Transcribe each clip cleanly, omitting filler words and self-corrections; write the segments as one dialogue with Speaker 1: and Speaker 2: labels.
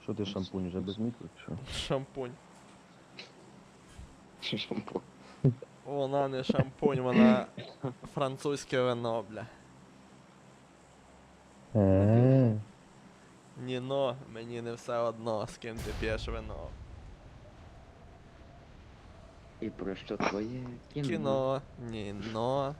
Speaker 1: Що ти шампунь вже без мітки, чи що?
Speaker 2: Шампунь.
Speaker 3: Шампунь.
Speaker 2: Вона не шампунь, вона французьке вино, бля. Ніно, мені не все одно, з ким ти п'єш вино.
Speaker 3: І про що твоє кіно?
Speaker 2: Кіно, ніно.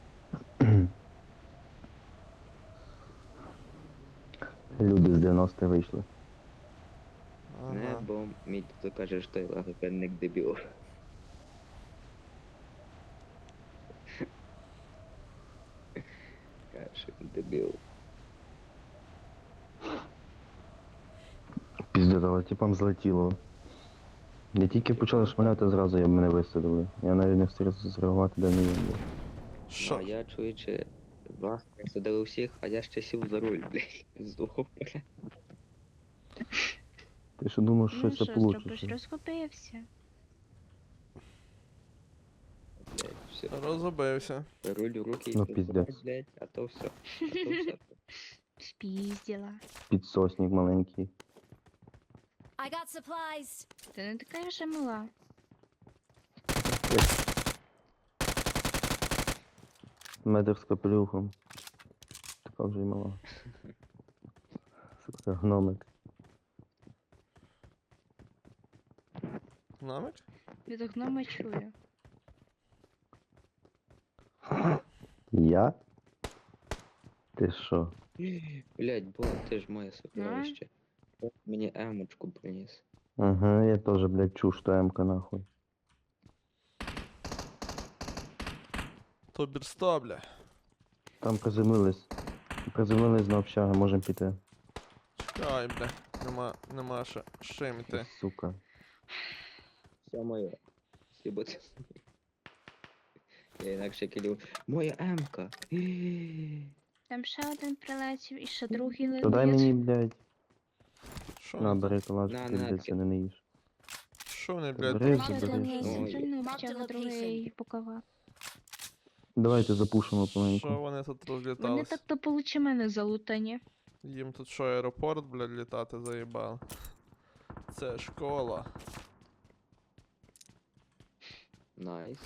Speaker 1: Люди з 90 вийшли.
Speaker 3: Не,
Speaker 2: Ага.
Speaker 3: бо мій тут каже, що я логопедник дебіл. Каже, дебіл.
Speaker 1: Піздець, але типам злетіло. Не тільки почали шмаляти, зразу я мене висадили. Я навіть не встиг зреагувати, де не є.
Speaker 2: Що?
Speaker 3: А я чуючи, вас присадили всіх, а я ще сів за руль, блядь, з двох поля.
Speaker 1: Ти що думав, що
Speaker 4: Ну
Speaker 1: це
Speaker 4: що зробиш,
Speaker 1: получиться?
Speaker 4: розгубився.
Speaker 3: Блядь, все.
Speaker 2: Розубився.
Speaker 3: Руль в руки і
Speaker 1: Ну,
Speaker 3: тут,
Speaker 1: піздець.
Speaker 3: блядь, а то все. А то все.
Speaker 4: Спізділа.
Speaker 1: Підсосник маленький.
Speaker 5: I got supplies.
Speaker 4: Ти не така вже мала.
Speaker 1: Медик з капелюхом. Така вже й мала. Сука, гномик.
Speaker 2: Намик?
Speaker 4: Від гнома чую.
Speaker 1: Я? Ти що?
Speaker 3: Блядь, бо ти ж моє сокровище. От мені емочку приніс.
Speaker 1: Ага, я тоже, блядь, чув, що М-ка нахуй.
Speaker 2: То бірсто, бля.
Speaker 1: Там приземлились. Приземлились на общагу, можем піти.
Speaker 2: Чекай, бля. Нема ще з чим йти.
Speaker 1: Сука.
Speaker 3: Все моє. Сібати. Я інакше кидав. Моя емка.
Speaker 4: Там ще один прилетів і ще другий
Speaker 1: То дай мені, блядь.
Speaker 2: Що
Speaker 1: На,
Speaker 2: вони?
Speaker 1: бери калаш,
Speaker 3: На,
Speaker 1: ти,
Speaker 3: на,
Speaker 1: блядь, це не їш.
Speaker 2: Що вони,
Speaker 1: Бери,
Speaker 2: блядь,
Speaker 4: Ще
Speaker 1: забери.
Speaker 4: один
Speaker 3: Ой.
Speaker 4: центральну
Speaker 5: Mark the
Speaker 4: общагу, другий
Speaker 5: location.
Speaker 4: бокова.
Speaker 1: Давайте запушимо
Speaker 2: Що
Speaker 1: помаленьку.
Speaker 2: вони тут
Speaker 4: Вони
Speaker 2: розлітались?
Speaker 4: так то получи мене залутані.
Speaker 2: Їм тут що, аеропорт, блядь, літати заїбали. Це школа.
Speaker 3: Найс.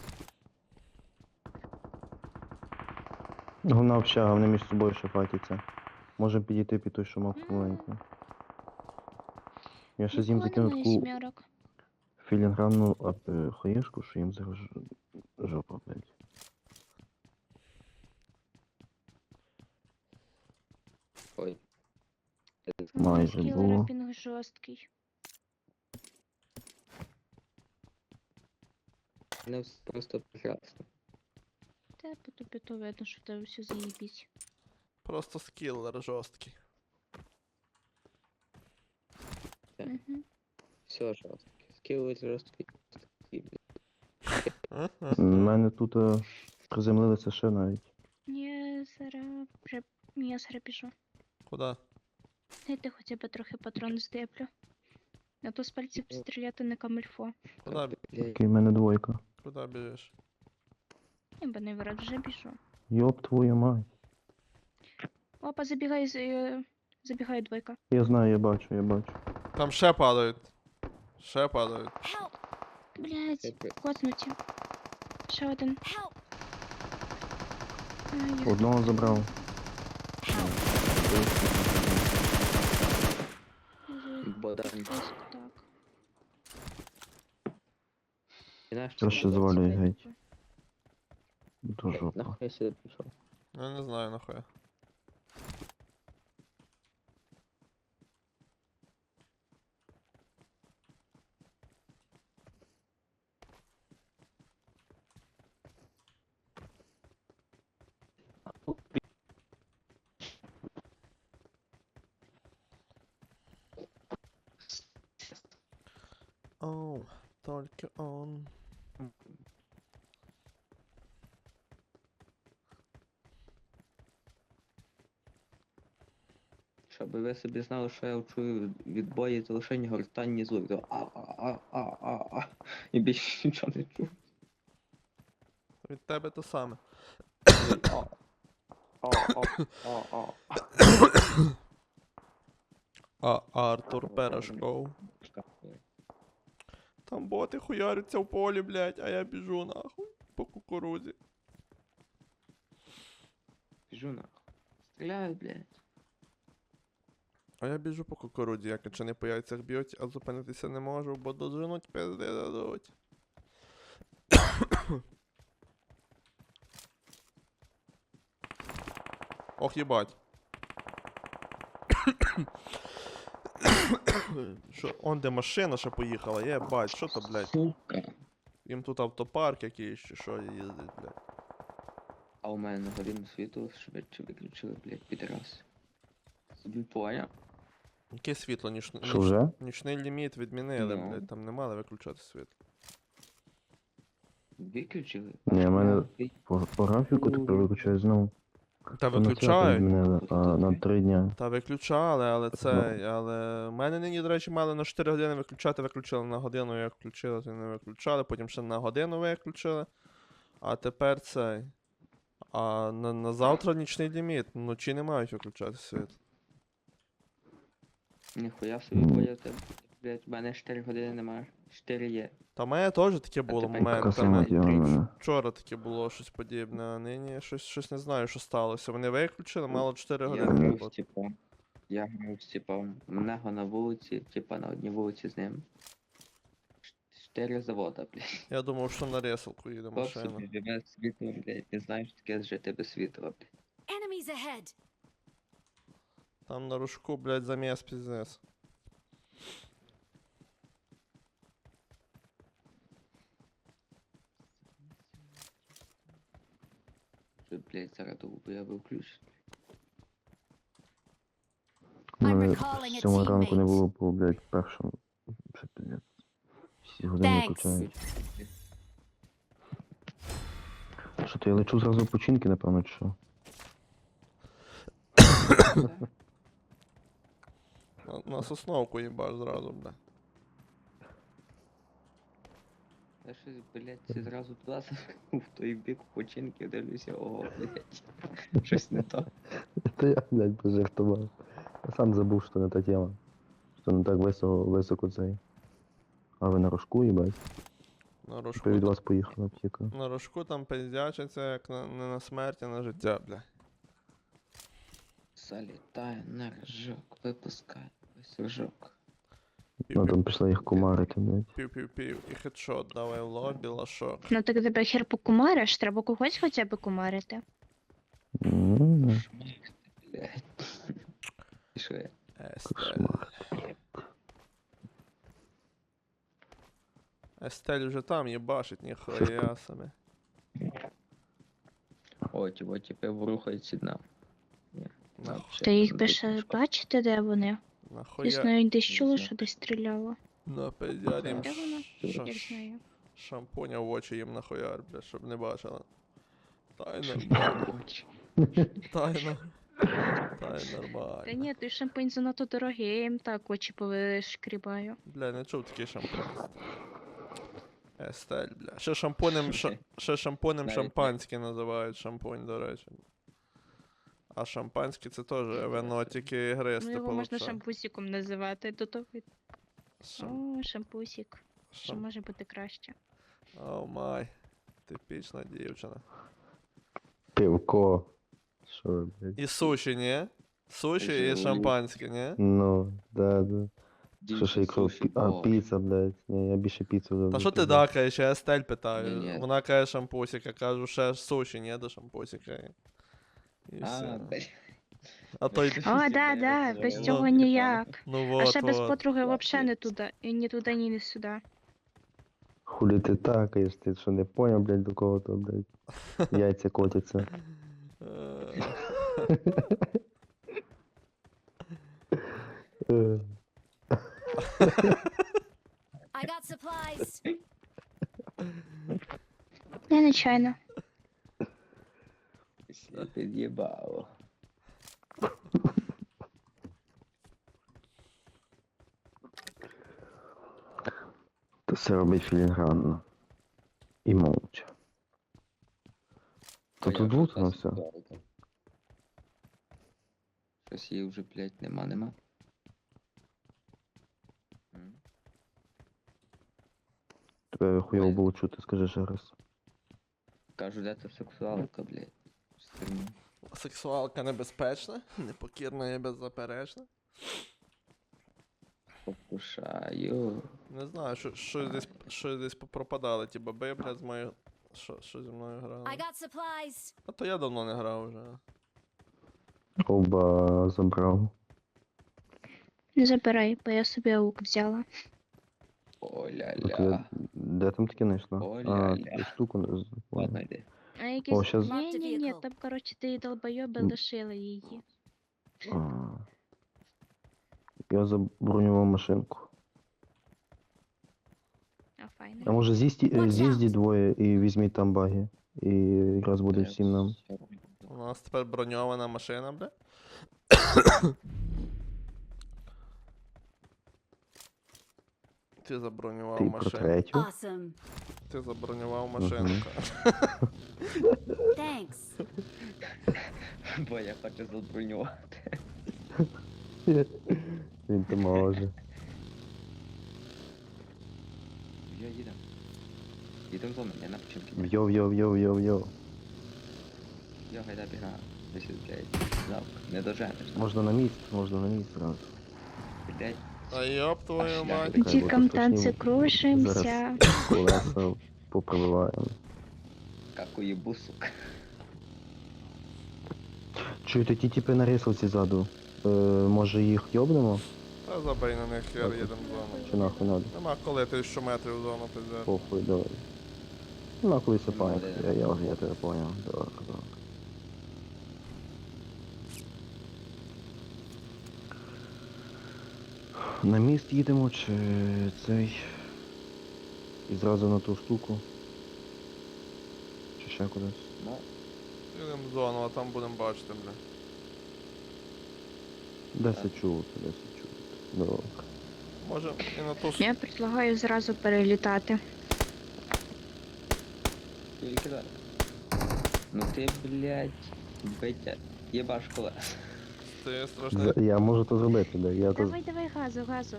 Speaker 1: Головна общага, вони між собою ще фатяться. Можем підійти під той шумок помаленьку. Я ще з їм закинув
Speaker 4: Немає
Speaker 1: таку
Speaker 4: сімерок.
Speaker 1: філігранну хаєшку, що їм зараз жопа, блядь.
Speaker 3: Ой.
Speaker 1: Майже
Speaker 4: Кілера
Speaker 1: було.
Speaker 4: пінг жорсткий.
Speaker 3: Не все просто прекрасно.
Speaker 4: Та по тобі то видно, що в тебе все заїбіть.
Speaker 2: Просто скілер жорсткий.
Speaker 4: Угу.
Speaker 3: Все жорстко. Скіли жорсткі.
Speaker 1: У мене тут приземлилися ще навіть.
Speaker 4: Я зараз біжу.
Speaker 2: Куда?
Speaker 4: Дайте хоча б трохи патрон здеплю. А то з пальців стріляти не камильфо.
Speaker 2: Куда,
Speaker 1: Такий в мене двойка.
Speaker 2: куда біжиш?
Speaker 4: Я б не вирад вже біжу.
Speaker 1: Йоп твою мать.
Speaker 4: Опа, забігає двойка.
Speaker 1: Я знаю, я бачу, я бачу.
Speaker 2: Там ще падають. Ще падають.
Speaker 5: Help!
Speaker 4: Блять, коцнуті. Ще один.
Speaker 5: Help!
Speaker 4: Ай, їх
Speaker 1: Одного забрав.
Speaker 5: Help!
Speaker 3: Бодан.
Speaker 4: ось так.
Speaker 1: Краще завалюй геть. До жопа.
Speaker 3: Нахуй я сюди пішов.
Speaker 2: Я не знаю нахуя. Оу, только он.
Speaker 3: Щоб ви собі знали, що я чую від бої це лише гортанні звуки. А. І більше нічого не чую.
Speaker 2: Від тебе то саме.
Speaker 3: А.
Speaker 2: А Артур Пирожков. Там боти хуяряться в полі, блядь, а я біжу нахуй по кукурузі.
Speaker 3: Біжу нахуй. Стріляють, блядь.
Speaker 2: А я біжу по кукурудзі, як якщо не по яйцях б'ють, а зупинитися не можу, бо доженуть пизди дадуть. Ох, їбать. Що, он де машина ще поїхала, єбать, що то, блядь?
Speaker 3: Сука.
Speaker 2: Їм тут автопарк якийсь, чи що їздить, блядь.
Speaker 3: А у мене на годину світу швидше виключили, блядь, підраз. Собі поняв?
Speaker 2: Яке світло,
Speaker 1: Що вже?
Speaker 2: нічний ліміт відмінили,
Speaker 3: Ну.
Speaker 2: блядь, там не мали виключати світло.
Speaker 3: Виключили?
Speaker 1: Ні, в мене
Speaker 3: Ти-
Speaker 1: по графіку тепер виключаю знову.
Speaker 2: Та
Speaker 1: То на свято
Speaker 2: виключають.
Speaker 1: змінили, а на 3 дня.
Speaker 2: Та виключали, але це. Але в мене нині, до речі, мали на 4 години виключати, виключили на годину, як включили, то не виключали, потім ще на годину виключили. А тепер цей. А на завтра нічний ліміт. Вночі не мають виключати світ.
Speaker 3: Ніхуя собі поняв тебе. Блядь, в мене 4 години немає. 4 є.
Speaker 2: Та в мене теж таке було
Speaker 3: тепер
Speaker 1: Така
Speaker 2: моментами.
Speaker 1: сама діла в мене.
Speaker 2: Вчора таке було щось подібне, а нині щось не знаю, що сталося. Вони виключили, мало 4
Speaker 3: Я
Speaker 2: години.
Speaker 3: грав з
Speaker 2: роботи.
Speaker 3: типом. Я грав з типом. У нього на вулиці, типа на одній вулиці з ним. 4 завода, блядь.
Speaker 2: Я думав, що на ресалку їде
Speaker 3: Хлоп
Speaker 2: машина.
Speaker 3: собі живе з світлом, блядь. Не знаю, що таке жити без світла, блядь.
Speaker 5: Enemies ahead.
Speaker 2: Там на рожку, блядь, заміс піздець.
Speaker 3: Що, блядь, зараз я виключу.
Speaker 1: У
Speaker 5: I'm
Speaker 1: мене
Speaker 5: recalling a
Speaker 1: з 7 ранку не
Speaker 5: teammate.
Speaker 1: було по, блядь, першому. Це пиздець. 6 годин
Speaker 5: Thanks.
Speaker 1: виключають. Що то я лечу зразу в починки, напевно, чи що?
Speaker 2: На сосновку їбаш зразу, бля.
Speaker 3: Я щось, блядь, це зразу туди в той бік починки дивлюся, ого, блядь. Щось не то.
Speaker 1: Та я, блядь, пожартував. Я сам забув, що не та тема. Що не так високо цей. А ви на рожку, їбать?
Speaker 2: На рожку,
Speaker 1: Від вас поїхала аптека.
Speaker 2: на рожку там пиздячиться, як не на смерть, а на життя, бля.
Speaker 3: Залітає на рожок, випускає ось рожок.
Speaker 1: Ну там пішла їх кумарити, блядь.
Speaker 2: Пів-пів-пів, і хедшот, давай в лобі, лашок.
Speaker 4: Ну так тебе хер покумариш, треба когось хоча б кумарити.
Speaker 1: Ну,
Speaker 3: Шмах ти, блядь. І що я?
Speaker 2: Естель.
Speaker 1: кошмар.
Speaker 2: Естель вже там їбашить, ніхуя собі.
Speaker 3: О, типу, ворухається дна.
Speaker 2: На-
Speaker 4: Та їх би ще бачите, де вони?
Speaker 2: Нахуя.
Speaker 4: Дійсно, десь чуло,
Speaker 3: знаю.
Speaker 4: що десь стріляло.
Speaker 2: На пиздярім
Speaker 4: Де вона?
Speaker 3: Що?
Speaker 4: Я знаю.
Speaker 2: шампуня в очі їм нахуяр, бля, щоб не бачила. Тайно, бля, тайно. Тайно
Speaker 4: Та
Speaker 2: нормально.
Speaker 4: ні, той шампунь занадто дорогий, я їм так очі повишкрібаю.
Speaker 2: Бля, не чув такий шампунь. Естель, бля. Ще шампунем, ще шампунем
Speaker 3: Навіть
Speaker 2: шампанське називають шампунь, до речі. А шампанське це теж вино тільки
Speaker 4: Ну
Speaker 2: гристи
Speaker 4: його можна
Speaker 2: получає.
Speaker 4: шампусіком називати, до того.
Speaker 2: Шам...
Speaker 4: О, шампусік. Що
Speaker 2: Шам...
Speaker 4: може бути краще?
Speaker 2: О май. Типічна дівчина.
Speaker 1: Пивко. Що, ви, блядь?
Speaker 2: І суші, ні? Суші і шампанське, ні?
Speaker 1: Ну, да. Що ще якщо
Speaker 3: О,
Speaker 1: піца, блядь. Ні, я більше піцу люблю.
Speaker 2: Та що ти
Speaker 1: блядь.
Speaker 2: дакаєш, я Естель питаю.
Speaker 3: Ні-ні.
Speaker 2: Вона каже шампусіка, кажу, ще суші, ні, до шампусіка. І
Speaker 3: А,
Speaker 2: все.
Speaker 3: блядь.
Speaker 2: А той.
Speaker 3: Ти
Speaker 4: О,
Speaker 3: що,
Speaker 4: да,
Speaker 3: блядь,
Speaker 4: да,
Speaker 3: це
Speaker 4: без
Speaker 3: воно
Speaker 4: цього
Speaker 3: типа,
Speaker 4: ніяк.
Speaker 2: Ну
Speaker 4: А
Speaker 2: вот,
Speaker 4: ще без
Speaker 2: вот.
Speaker 4: подруги
Speaker 3: Ладно.
Speaker 4: взагалі не туди. І ні туди, ні не сюди.
Speaker 1: Хулі ти такаєш, ти що не поняв, блядь, до кого то, блядь. Яйця котяться. Е,
Speaker 5: I got supplies.
Speaker 4: Я нечайно.
Speaker 3: Все під'їбало.
Speaker 1: Та все робить філігранно. І мовча. То тут лутано все.
Speaker 3: Щось її вже, блядь, нема.
Speaker 1: Тебе хуйово
Speaker 3: Ой.
Speaker 1: було чути, скажи ще раз.
Speaker 3: Кажу, де це сексуалка, блядь. Сильно.
Speaker 2: Сексуалка небезпечна, непокірна і беззаперечна.
Speaker 3: Покушаю.
Speaker 2: Не знаю, що десь попропадали ті баби, блядь, з моєю. Що зі мною грали?
Speaker 5: I got supplies.
Speaker 2: А то я давно не грав вже.
Speaker 1: Оба забрав.
Speaker 4: Не забирай, бо я собі аук взяла.
Speaker 3: О-ля-ля.
Speaker 1: Де там таке знайшла?
Speaker 3: Оля-ля.
Speaker 1: Таку штуку не
Speaker 3: Ладно,
Speaker 1: понял.
Speaker 3: йди.
Speaker 4: А якісь.
Speaker 1: О, щас-
Speaker 4: Ні, там, коротше, ти долбойоби
Speaker 1: М.
Speaker 4: лишили її.
Speaker 1: А. Я забронював машинку.
Speaker 4: А файно.
Speaker 1: А може
Speaker 5: Watch out.
Speaker 1: з'їздіть двоє і візьміть там баги. І раз буде всім нам.
Speaker 2: У нас тепер броньована машина, бля. Ти забронював
Speaker 1: Ти про
Speaker 2: машину.
Speaker 1: третю.
Speaker 5: Awesome.
Speaker 2: Ти забронював машинку.
Speaker 5: Thanks.
Speaker 3: Бо я хочу забронювати.
Speaker 1: Він то може.
Speaker 3: Я їдем. Їдем за мене, я на починки.
Speaker 1: Йо-йо-йо-йо-йо.
Speaker 3: Я гайда бігаю. Десь, блядь, завк. Не доженеш.
Speaker 1: Можна на місць зразу.
Speaker 3: Блядь.
Speaker 2: А йоп твою
Speaker 3: Аж
Speaker 2: мать.
Speaker 3: ляже.
Speaker 4: Дікам танці
Speaker 1: Зараз
Speaker 4: крушимся.
Speaker 1: колеса попробиваємо.
Speaker 3: Как уебу, сука.
Speaker 1: Чуєте, ті типи на рисовці ззаду. Може їх йобнемо?
Speaker 2: Та забий на них, я їдем в зону.
Speaker 1: Чи нахуй надо?
Speaker 2: Нема коли 1000 метрів в зону пиздець.
Speaker 1: Похуй, давай. Нахуй сапаємо.
Speaker 3: Ну,
Speaker 1: Я тебе понял. Добре, добре. На міст їдемо чи цей. І зразу на ту штуку. Чи ще кудись?
Speaker 3: Ну,
Speaker 2: Їдем в зону, а там будемо бачити, бля.
Speaker 1: 10 чути. Добре.
Speaker 2: Може і на ту
Speaker 4: Я предлагаю зразу перелітати.
Speaker 3: тільки зараз. Ну ти, блядь, битя. Єбаш колес.
Speaker 2: ти страшний.
Speaker 1: Я можу то зробити, да. Я то...
Speaker 4: Давай, газу.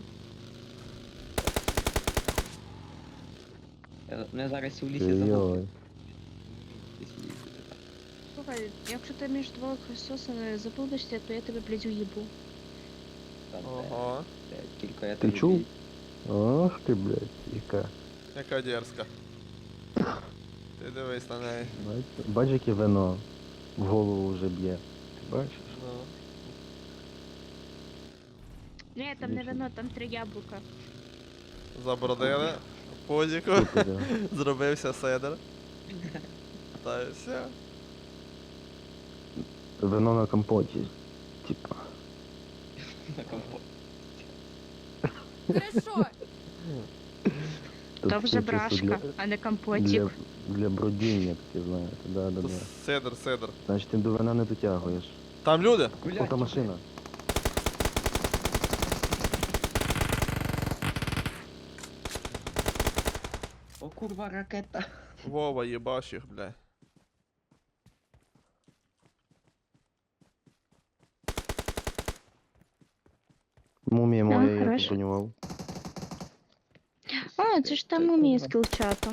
Speaker 3: Мене зараз і в лісі забув.
Speaker 1: Йой.
Speaker 4: Слухай, якщо ти між двох сосен заблудишся, то я тебе, блядь, уїбу.
Speaker 2: Ого,
Speaker 3: Тільки я
Speaker 1: Ти
Speaker 3: тобі
Speaker 1: чув?
Speaker 3: бій.
Speaker 1: Ох ти, блядь, яка.
Speaker 2: яка дерзка. Ти дивись на неї.
Speaker 1: Бач, яке вино в голову вже б'є. Ти бачиш?
Speaker 2: Ну.
Speaker 4: Ні, там не
Speaker 1: Вічно.
Speaker 4: вино, там 3 яблука.
Speaker 2: Забродили. Позіку.
Speaker 1: Супер, да.
Speaker 2: Зробився седер. Та й все.
Speaker 1: Вино на компоті. Типа.
Speaker 3: На компот.
Speaker 5: Хорошо.
Speaker 4: То
Speaker 1: Тут
Speaker 4: вже
Speaker 1: чисто
Speaker 4: брашка, а не компотик.
Speaker 1: для бродіння таке, знаєте, да.
Speaker 2: Седер.
Speaker 1: Значить, ти до вина не дотягуєш.
Speaker 2: Там люди?
Speaker 1: Ота машина.
Speaker 3: О, курва, ракета.
Speaker 2: Вова, їбаш їх, бля.
Speaker 1: Мумія моя, я
Speaker 4: хорошо.
Speaker 1: побронював.
Speaker 4: А, це ж там
Speaker 3: Це
Speaker 4: уміє
Speaker 3: курва.
Speaker 4: з кілчатом.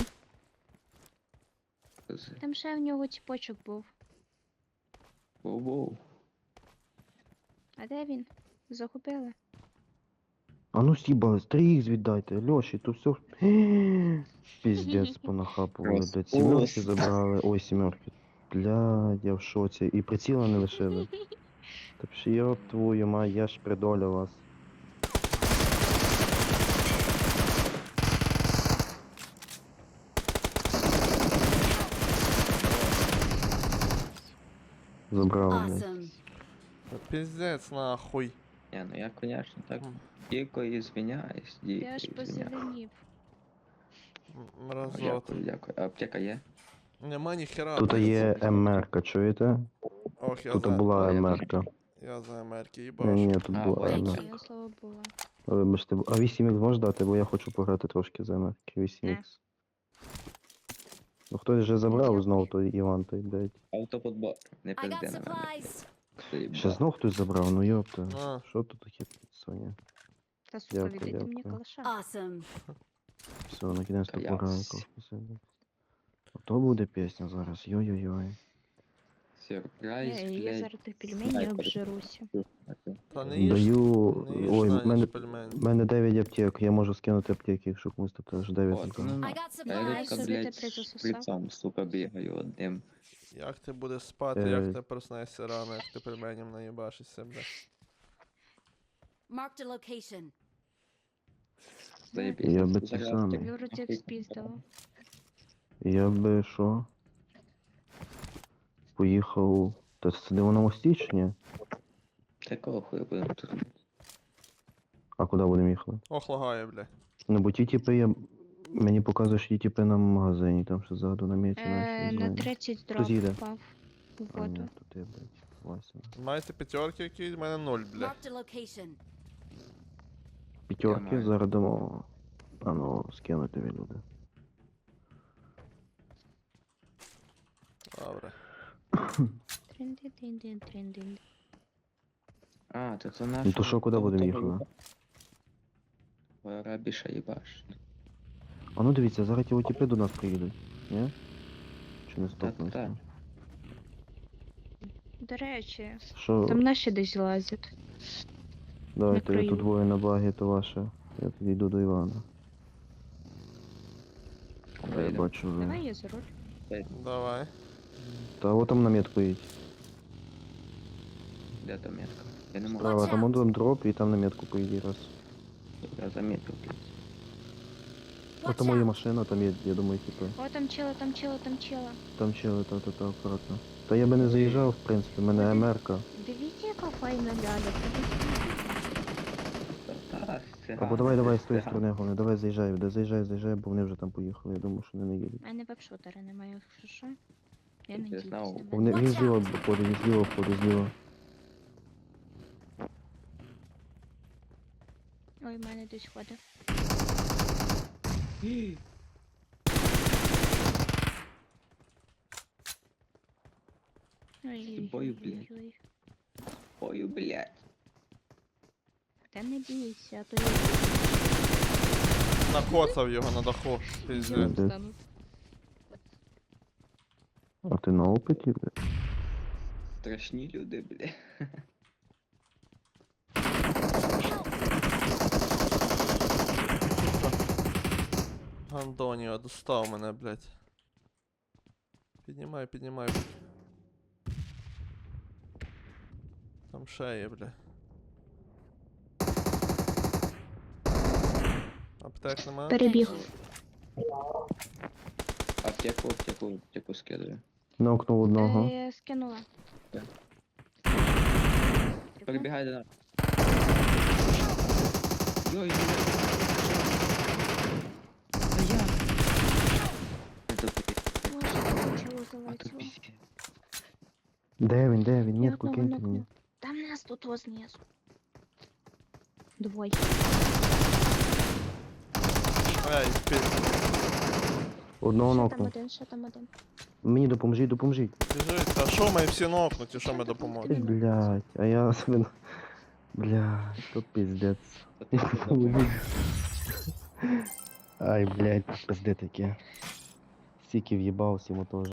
Speaker 4: Там ще в нього тіпочок був.
Speaker 3: Воу-воу.
Speaker 4: А де він? Загубили.
Speaker 1: А ну сібали, 3х віддайте, Льоші, то все. Піздець понахапували, блядь. Сімерки забрали. Ой, сімерки. Блядь, я в шоці. І приціла не лишили. Так що йоп твою мать, я ж придоля вас. Забрав, блядь.
Speaker 5: Awesome.
Speaker 2: Піздець нахуй.
Speaker 3: Не, ну я, конечно, так
Speaker 2: М.
Speaker 3: дико извиняюсь. Дико
Speaker 4: Ти аж
Speaker 3: извиняюсь.
Speaker 4: позеленів.
Speaker 2: Мразот.
Speaker 3: Дякую, дякую. А аптека є?
Speaker 2: Нема ніхера.
Speaker 1: Тут є МРК, чуєте?
Speaker 2: Ох, я
Speaker 1: Тут
Speaker 2: за...
Speaker 1: була
Speaker 3: я
Speaker 1: МРК.
Speaker 2: Я за Америки
Speaker 1: Ні,
Speaker 2: їбаш.
Speaker 1: ні, тут
Speaker 3: А,
Speaker 1: була
Speaker 3: понял.
Speaker 1: МРК.
Speaker 4: Я слава Богу.
Speaker 1: Вибачте, а 8х можеш дати, бо я хочу пограти трошки за МРК 8х. Ну хтось вже забрав знов той Іван, той, блядь.
Speaker 3: Автоподбор. Не
Speaker 5: I got
Speaker 3: пизди на мене.
Speaker 5: supplies.
Speaker 3: Ти
Speaker 1: Ще
Speaker 3: ба.
Speaker 1: знов хтось забрав, ну йопта.
Speaker 2: А.
Speaker 1: Що тут таке, Соня?
Speaker 4: Та сука,
Speaker 1: Дякую,
Speaker 4: віддайте мені
Speaker 1: дякую.
Speaker 4: калаша.
Speaker 5: Awesome.
Speaker 1: Все, наконец-то
Speaker 3: Та
Speaker 1: пора
Speaker 3: яс.
Speaker 1: якось посидіти. Ото буде пісня зараз, йой-йой-йой.
Speaker 3: Сюрприз,
Speaker 4: Я
Speaker 3: блядь.
Speaker 4: зараз тих пельменів
Speaker 3: снайпер.
Speaker 4: обжируся.
Speaker 2: Та не їж,
Speaker 1: Даю.
Speaker 2: не їж
Speaker 1: Ой,
Speaker 2: на
Speaker 1: в мене,
Speaker 2: ніч пельмені.
Speaker 1: в мене 9 аптек, я можу скинути аптеки, якщо комусь тут теж 9
Speaker 3: От,
Speaker 1: аптек.
Speaker 3: ну,
Speaker 5: I got
Speaker 3: я
Speaker 5: supplies.
Speaker 3: рідко,
Speaker 4: Собі
Speaker 3: блядь,
Speaker 4: ти призасосав.
Speaker 3: шприцом, сука, бігаю одним.
Speaker 2: Як ти будеш спати,
Speaker 1: Е.
Speaker 2: як ти проснешся рано, як ти пельменем наїбашишся, бля.
Speaker 5: Marked a location.
Speaker 3: Заєбісь.
Speaker 1: Я би ці
Speaker 3: Зараз
Speaker 1: самі.
Speaker 3: ти-
Speaker 4: Тобі вроді як спіздало.
Speaker 1: Я би що? Поїхав. Та це де воно стічні?
Speaker 3: Такого хуя будемо тут.
Speaker 1: А куди будемо їхати?
Speaker 2: Ох, лагає, бля.
Speaker 1: Ну бо ті типи я. Мені показує, що ті типи на магазині, там ще ззаду на міці
Speaker 4: На 30 дров
Speaker 1: їде?
Speaker 4: впав у
Speaker 1: А, ні,
Speaker 4: воду.
Speaker 1: тут я, блядь, Вася.
Speaker 2: Маєте п'ятерки якісь? У мене 0, бля.
Speaker 5: Marked a location.
Speaker 1: П'ятерки
Speaker 3: маю.
Speaker 1: зараз дамо. А ну, скинути від люди.
Speaker 2: Добре.
Speaker 4: Трин-дин-дин-дин-дин-дин.
Speaker 3: А, то це наш.
Speaker 1: Ну то що, куди будемо їхати?
Speaker 3: Арабіша їбаш.
Speaker 1: А ну дивіться, зараз ті типи до нас приїдуть. Ні? Чи не
Speaker 3: Та-та.
Speaker 1: стопнуться?
Speaker 4: До речі,
Speaker 1: Що?
Speaker 4: там наші десь лазять.
Speaker 1: Давайте я
Speaker 4: краю.
Speaker 1: тут двоє на багі, то ваше. Я тоді йду до Івана. Я
Speaker 3: Вийду.
Speaker 1: бачу вже.
Speaker 4: Давай я за руль.
Speaker 2: Давай.
Speaker 1: Та от там на метку їдь.
Speaker 3: Де там метка? Я не можу.
Speaker 1: Справа,
Speaker 5: Watch
Speaker 1: там
Speaker 5: out.
Speaker 1: один дроп і там на метку поїдь раз.
Speaker 3: Я замітив, блядь.
Speaker 1: От
Speaker 5: Watch
Speaker 1: там моя
Speaker 5: out.
Speaker 1: машина, там є, я думаю, типу.
Speaker 4: О, там чела, там чела, там чела.
Speaker 1: Там чили, та, акуратно. Та я би не заїжджав, в принципі, в мене МРК.
Speaker 4: Дивіться, яка файна ляля.
Speaker 3: Та,
Speaker 1: Або давай з тої сторони, головне, давай заїжджай, бо вони вже там поїхали, я думаю, що вони не їдуть.
Speaker 4: У мене веб-шутера немає, якщо що. Я не
Speaker 3: Я знав.
Speaker 4: діюсь.
Speaker 1: Вони, він
Speaker 5: Watch
Speaker 1: зліва входить, зліва.
Speaker 4: Ой, в мене десь ходить. Ой,
Speaker 3: Бою, блін.
Speaker 4: ой.
Speaker 3: Ой, блядь.
Speaker 4: Та не бійся, а то я
Speaker 2: Накоцав його на даху. Піздець.
Speaker 1: Де?
Speaker 4: встану.
Speaker 1: А ти на опиті, блядь?
Speaker 3: Страшні люди, блядь.
Speaker 2: Антоніо, достав мене, блядь. Піднімай. Там ще є, бля. Аптек нема?
Speaker 4: Перебіг.
Speaker 3: Аптеку скидаю.
Speaker 1: Нокнув одного.
Speaker 4: Скинула.
Speaker 3: Так.
Speaker 4: Прикол.
Speaker 3: Перебігай до нас. Йой, Та я. Це такий,
Speaker 4: Боже, чого
Speaker 3: а то
Speaker 4: залетіло?
Speaker 3: пиздец.
Speaker 1: Де він?
Speaker 4: Я
Speaker 1: Метку
Speaker 4: одного
Speaker 1: киньте
Speaker 4: нокнула.
Speaker 1: мені.
Speaker 4: Там нас тут знизу. Двоє.
Speaker 2: Ей, пізд.
Speaker 1: Одного
Speaker 4: Ще там
Speaker 1: нокнув.
Speaker 4: один, ще там один.
Speaker 1: Мені допоможіть.
Speaker 2: Біжить. Та що ми всі нокнуті, що ми допоможемо?
Speaker 1: Блядь, а я себе... Блядь, то пиздец.
Speaker 3: Та ти що,
Speaker 1: Ай, блядь, пизде таке. Стільки в'їбав всім теж.